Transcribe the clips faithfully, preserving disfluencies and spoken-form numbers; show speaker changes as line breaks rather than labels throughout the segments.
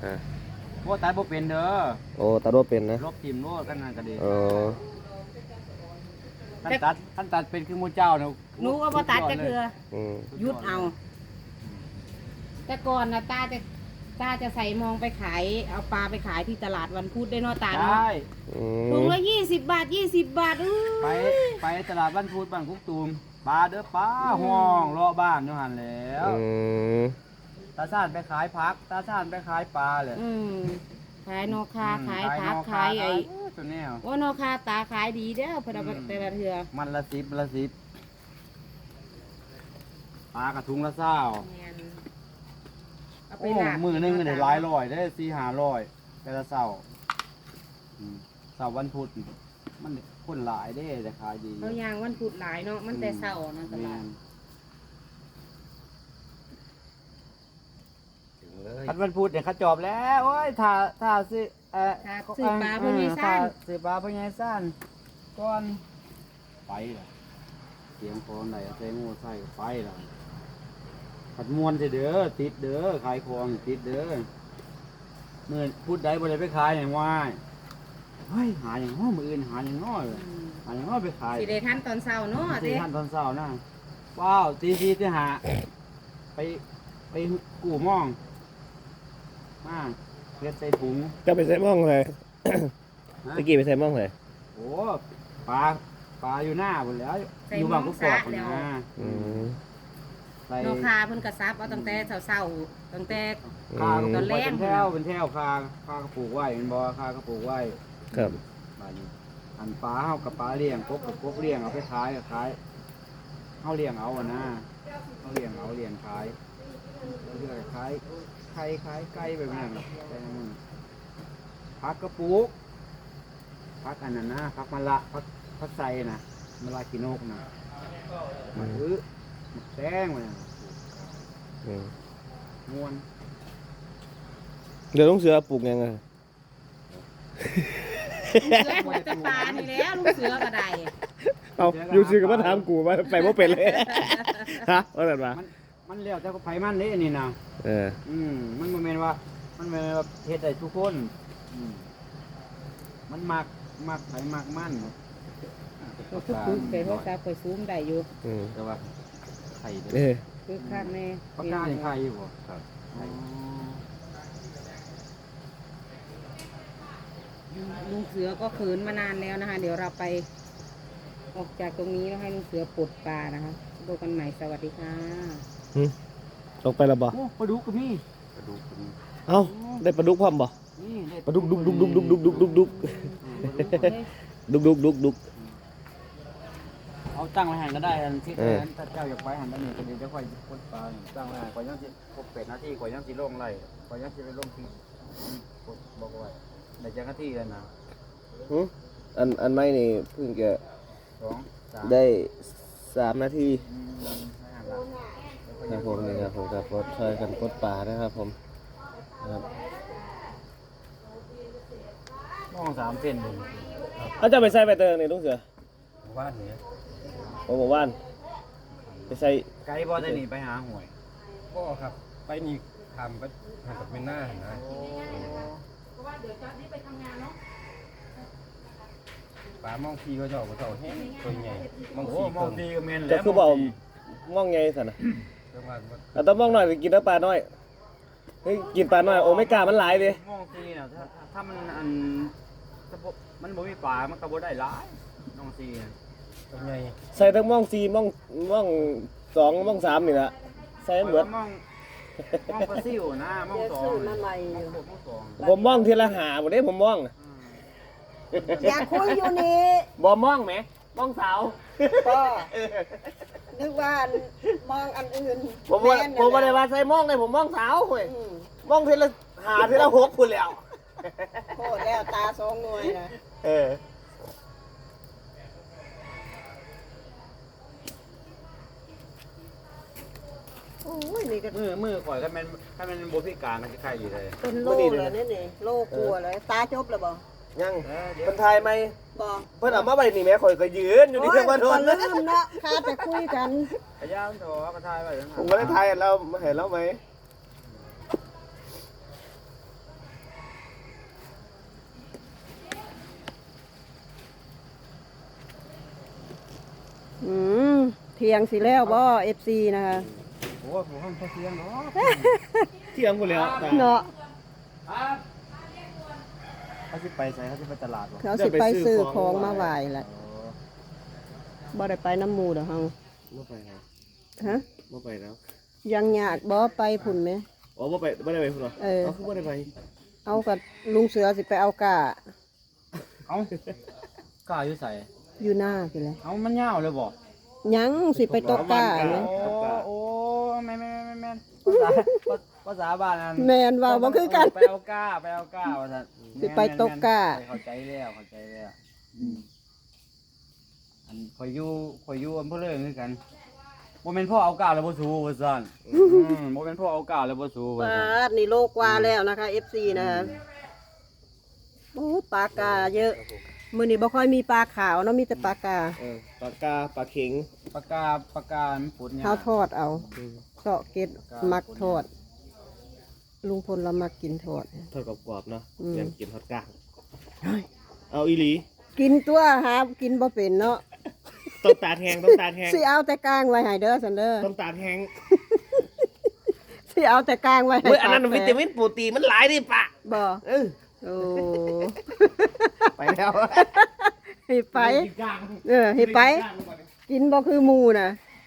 อ่า
โอ้ตายบ่เป็นเด้อ
โอ้ตัดว่าเป็นนะ
ลบทิ่มโลดกันนั่นก็ดี
อ๋อ
ท่านตัดท่านตัดเป็นคือหมู่เจ้าเนาะ
หนูก็บ่ตัดจะคือ
อืม
ยุดเอา แต่ก่อนนะตาจะตาจะใส่มองไปขายเอาปลาไปขายที่ตลาดวันพุธได้เนาะตา
ใช
เนาะ
่
ถุงละยี่สิบบาทยี่สิบบาทอื้
ไป
อ
ไปตลาดบ้านพูดบ้านกุกตูมปลาเด้อปลาห้องรอบ้านอยู่หั่นแหล้ว
อืม
ตาซ่านไปขายผักตาซ่านไปขายปลาเลย
อืมขายนอคาขายผัก
นอ
ขายไอ้
ตัวแนว
ว่านอคาตาขายดีเด้อเพนเอาไปแต่ละเทือ
มันละสิบละสิบปลากระทุงละเศร้า
แม่นเอาไป
โอ้
ลาบ
มือหนึงก็ได้หลายร้อยได้สี่ห้าร้อยแต่ละเศร้าอืมเศร้าวันพุธมันคนหลายได้แต่ขายดี
เขายางวันพุธหลายเนาะมันแต่เช้านะตลาด
คันวันพุธเนี่ยเขาจอบแล้วโอ้ยถ้าถ้าซื้อเอ่อ
ถ้าซื้อปลาเพิ่นมีซ่าน
ซื้อปลาเพิ่นมีซ่านก่อนไปล่ะเสียงพรไหนใส่งูใส่ก็ไปล่ะขัดมวนสิเด้อติดเด้อขายของติดเด้อเมื่อพูดใดบ่ได้ไปขายอย่างว่าเฮ้ยหาอย่างง้อมืออื่นหาอย่างง้อเลยหาอย่างง้อไปขาย
สิได้ทันตอนเช้าเนาะ
ตี
เด้
ท่านตอนเช้านะว้าวตีสี่ตีห้าไปไปกู้หมองมาเฮ็ดใส่ถุง
จะไปใส่หม่องเลย
ฮะ
ตะกี้ไปใส่หม่องเลย
โอ้ปลาปลาอยู่หน้าหมดแล้ว อยู่บางกุกกอกนะ
อืม
ใส่
นอคาเพิ่นกระซับเอาตั้งแต่เช้าๆตั้งแต่
คาก็ปลูก
ตอนแร
ไว้
ก
เป็นแถวเป็นแถวคาคาก็ปลูกไว้เป็นบ่คาก็ปลูกไว้
ครับ
ปลานี้อันปลาเฮากับปลาเลี้ยงกบกับกบเลี้ยงเอาไปขายก็ขายเฮาเลี้ยงเอาอะนะเฮาเลี้ยงเอาเลี้ยงขายแล้วเรื่อยขายไข่ขายไก่แบบนั้นแค่นั้นผักกระปุกผักอันนั้นนะผักมะละผักผักไทรนะมะละกินกนะมะอื้อมะแตงมัน
อืม
ม่วน
เดี๋ยวลุงเสือปลูกยังไง
ลุงเสือปลูกแต่ปลานี่แหล้วลุงเสือก็ได้
เอาอยู่ซื้อกับมาถามกูว่าไปว่าเป็นเลย ฮะว่าแบบว่า
มันมันเลี้ยวแต่ไผมันนี่นี่นะ
เออ
อืมมันบ่แม่นว่า มันบ่แม่นว่าเฮ็ดได้ทุกคนอืมมันมักมักไผมักมัน
ก็คือคือไปโทรศัพท์ไปซูมได้อยู่
อืม
แต่ว่าไข่เด้
เอ
อ
อ
คือคักแน่
ปากกานี่ไข่อยู่บ่ครับไข่
ลุงเสือก็ขืนมานานแล้วนะคะ เดี๋ยวเราไปออกจากตรงนี้แล้วให้ลุงเสือปลดปลานะคะดูกันใหม่สวัสดีค่ะ
หึตกไปแล้วบ่
โอ้ปลาดุกก็มีปลาดุกก็มี
เอ้าได้ปลาดุกพร้อมบ่
นี่ได้
ปลาดุกดุกดุกดุกดุกดุกดุกดุกดุก
อืมปลาดุก
ดุกดุกดุกดุก
เอาตั้งไว้หันก็ได้อันที่
เออ
ถ้าเจ้าอยากไปหันอันนี้ก็เดี๋ยวจะค่อยกดปลาตั้งไว้หันก่อนยังสิครบแปดนาทีก่อนยังสิลงไล่ก่อนยังสิไปลงที่กดบอกไว้ได้จักนาทีแล้วนะ
หึอันอันไม่นี่เพิ่งจะ
สองสาม
ได้สามนาที
อืมไม่หันละ
ครับผมนี่ครับผมกับรถช่วยกันกดป่านะครับผมครับ
มองสามเส้นหนึ่ง
เอาจะไปใส่ใบเตยนี่ลุงเสือ
ว่านนี้
โอ้โหว่านไปใส่
ไกด์บอได้หนีไปหาหวย
ก็ครับ ไปนี่ทำก็ทำกับเป็นหน้านะปลามองพีก็จะออกมาเต่าแห้งตัวใหญ่มอง
โอ้
สี
มองดีก็เมน
จะ
แล้ว
คือบอกม่องไงสันนะ
จังหวัด
เอาแต้องม่องหน่อยกินน้ำปลาน้อยเฮ้ยกินปลาน้อยโอ้ไม่กล้ามันหลายดิ
มองซีน่ะถ้าถ้ามันอันถ้าบ่มันบ่มีป่ามันก็บ่ได้หลายน้องซีน่ะ
ตัวใหญ่
ใส่ทั้งม่องสี่ม่องม่องสองม่องสามนี่ละใส่เหมือน
มองมองปลาซิวนะมองสองมองหกมองสอง
ผมม่องทีละหาหมดเด้ผมม่อง
อยากคุยอยู่นี่
บ่ม่องไหมม่องสาว
ก็นึกว่ามองอันอื่น
ผมว่า
แน
ผมว่า
น่ะ
ได้ว่าใส่ม่องเลยผมม่องสาวเว้ย
อืม
ม่องทีละหาทีละหกคุณแล้ว
โคตรแล้วตาสองหน่วยนะ
เออ
โอ้ยนี่ก็
มือมือข่อยถ้ามันถ้ามันบ่พิการก็สิไข่อยู่เลย
เป็นโลเลยนี่นี่โลกลัวเลยตาจบแล้วบ่
ยัง
เออเดี๋ยว
คนไทยไหม
บ่
เพิ่นเอามาไว้นี่แม่ข่อยก็ยืนอยู่นี่เพิ่นมาโดน
โอ้ยก็ลืมเนาะข้าจะคุยกัน
พยายามโทรกระทายไว้แล้วนะ
ผมก็ได้ไทยเรามาเห็นแล้วไหม
เที่ยงสิแล้วบ่ เอฟ ซี นะคะ
โอ้ผมห้องเที่ยงเนาะ
เที่ยงกูแล้วตา
เนาะ
เขาสิไปใส่เขาสิไปตลาดบ่
เขาสิไปซื้อของมาไหว้แหละบ่ได้ไปน้ำหมู่ดอกเฮา
บ่ไปแล้ว
ฮะ
บ่ไปแล้ว
ยังอยากบ่ไปพุ่นไหม
อ๋อบ่ไปบ่ได้ไปพุ่นเหรอ
เออ
เอาคือบ่ได้ไป
เอากับลุงเสือสิไปเอากา
เอ้ากล้าอยู่ใส่
อยู่หน้าไปเลย
เอ้ามันยาวเลยบ่
ยังสิไปตกกา
โอ้
ไหม
โอ้แม่นแม่นแม่นแม่นภาษาภาษาบ้านนั่น
แมนว่าบ่คือกัน
ไปเอาก้าไปเอาก้าว่าซั่น
สิไปตกก้า
เข้าใจแล้วเข้าใจแล้วอืมอันข่อยอยู่ข่อยอยู่อำเภอเลิงคือกันบ่แม่นพ่อเอาก้าแล้วบ่สู้ว่าซั่นอืมบ่แม่นพ่อเอาก้าแล้วบ่สู้ว่า
ป
ซั่น
าดนี่โลกว่าแล้วนะคะ เอฟ ซี นะคะโอ้ปลากาเยอะ มื้อนี้บ่ค่อยมีปลาขาวเนาะมีแต่ปลากา
เออปลากาปลาเข็ง
ปากกาปากกามันปุดเนี่ย
เฮาทอดเอา
อืม
เสาะเก็ดมักทอด ลุงพลเรามักกินทอด
ทอดกรอบๆเนาะ
อืม
ยังกินทอดกลางเอาอีหลี
กินตัวหากินบ่เป็นเนาะ
ต้องตาแทงต้องตาแทง
สิเอาแต่กลางไว้ให้เด้อซันเด้อ
ต้องตาแทง
สิเอาแต่กลางไว้ให้
เฮ้ยอันนั้น
ปาก
วิ
แต
ตาก มินโปรตีนมันหลายดิปะ
บ่
เออ
โอ้
ไปแล้ว
ให้ไป
กินกลาง
เออให้ไป กินบ่คือหมูนะ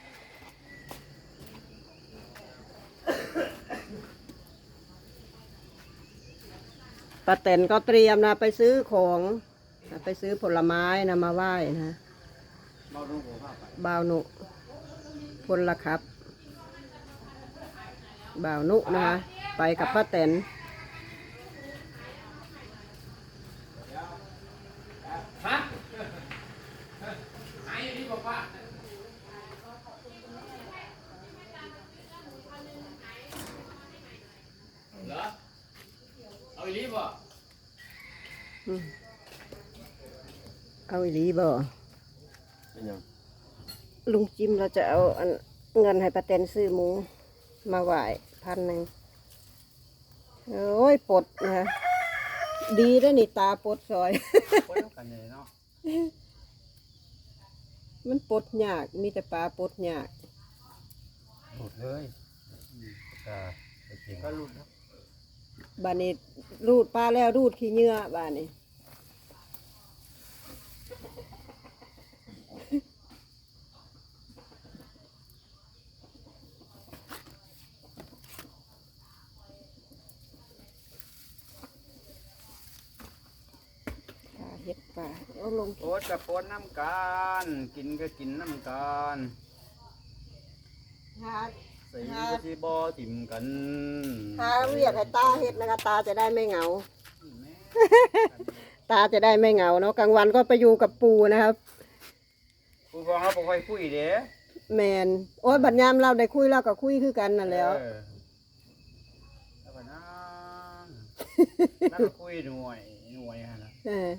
ป้าแตนก็เตรียมนะไปซื้อของไปซื้อผลไม้นะมาไหว้นะบ่าวนุพลละครับบ่าวนุนะคะไปกับป้าแตนอืมเอาอีหลีบ่
เป็นยัง
ลุงจิมเราจะเอาอันเงินให้ป้าแตนซื้อหมูมาไหว้พันหนึ่งโอ้ยปลดนะคะดีได้อนี่ตาปลดซอย
ปุดกันเลยเนาะ
มันปลดยากมีแต่ปลาปลดยาก
หมดเลยปากกาไปเข็ง
ก็รุ่นครับ
บ้านนี้รูดปลาแล้วรูดขี้เหงื่อบ้านนี้ปลาเห็ดปลาเอาลง
โปดกับโปดน้ำกันกินก็กินน้ำกัน
หา
ใส่ก็สิบ่ถิ่มกัน
หาเรียกให้ตาเห็ดนะคะตาจะได้ไม่เหงา ตาจะได้ไม่เหงาเนาะกลางวันก็ไปอยู่กับปูนะครับ
ผู้ฟังเราบ่ค่อยคุยเด้
แมนโอ้ยบัดยามเราได้คุยเราก็คุยคือกันนั่นแหล้ว
เออแล้วก็นั่งแล้วก็คุยหน่วยหน่วยฮะนะ
เออ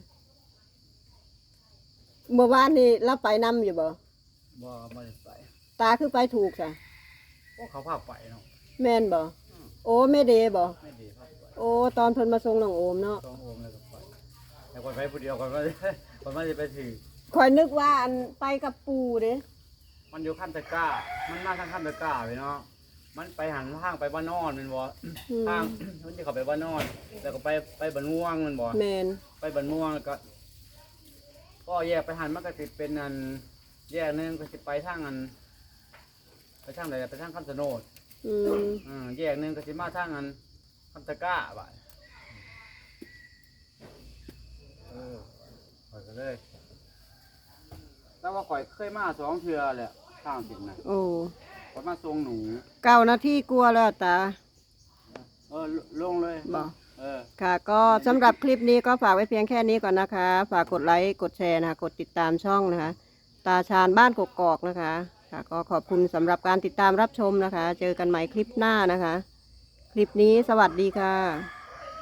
เมื่อวานนี่เราไปนำอยู่บ่
บ่บ่ได้ไป
ตาคือไปถูกจ้ะ
โอ้เขาพาไปเนาะ
แม่นบ่โอ้แม่เดบ่
ไม่ดีพาไป
โอ้ตอนเพิ่นมาส่งน้องโอมเนาะ
ต้องโอมแล้วก็ไปแต่คนไปผู้เดียวคนว่าคนว่าจะไปถือ
คอยนึกว่าอันไปกับปูเด้
มันอยู่ขั้นตะกร้า มันมาทางขั้นตะกร้าไปเนาะ มันไปหันทางไปบ้านนอนแมันบ่
อืม
ทางมันจะเข้าไปบ้านนอนแล้วก็ไปไปบ้านม่วงแมันบ่
แม่น
ไปบ้านม่วงแล้วก็ ก็แยกไปหันมันก็สิเป็นอันแยกหนึงก็สิไปทางอัน ไปทางไหนไปทางคำสนด
อืม
อืมแยกหนึงก็สิมาทางอันคำตะกร้าบ่ะเออไปกันเลยแต่ว่าข่อยเคยมาสองเทื่อแหละทางสินน่ะ
โอ้
ข่อยมาทรงหนู
เก้านาทีกลัวาแล้วตา
เออลลงเลย
บ่
เออ
ค่ะก็สำหรับคลิปนี้ก็ฝากไว้เพียงแค่นี้ก่อนนะคะ ฝากกดไลค์กดแชร์นะคะกดติดตามช่องนะคะ ตาชาญบ้านกกอกนะคะค่ะก็ขอบคุณสำหรับการติดตามรับชมนะคะ เจอกันใหม่คลิปหน้านะคะ คลิปนี้สวัสดีค่ะ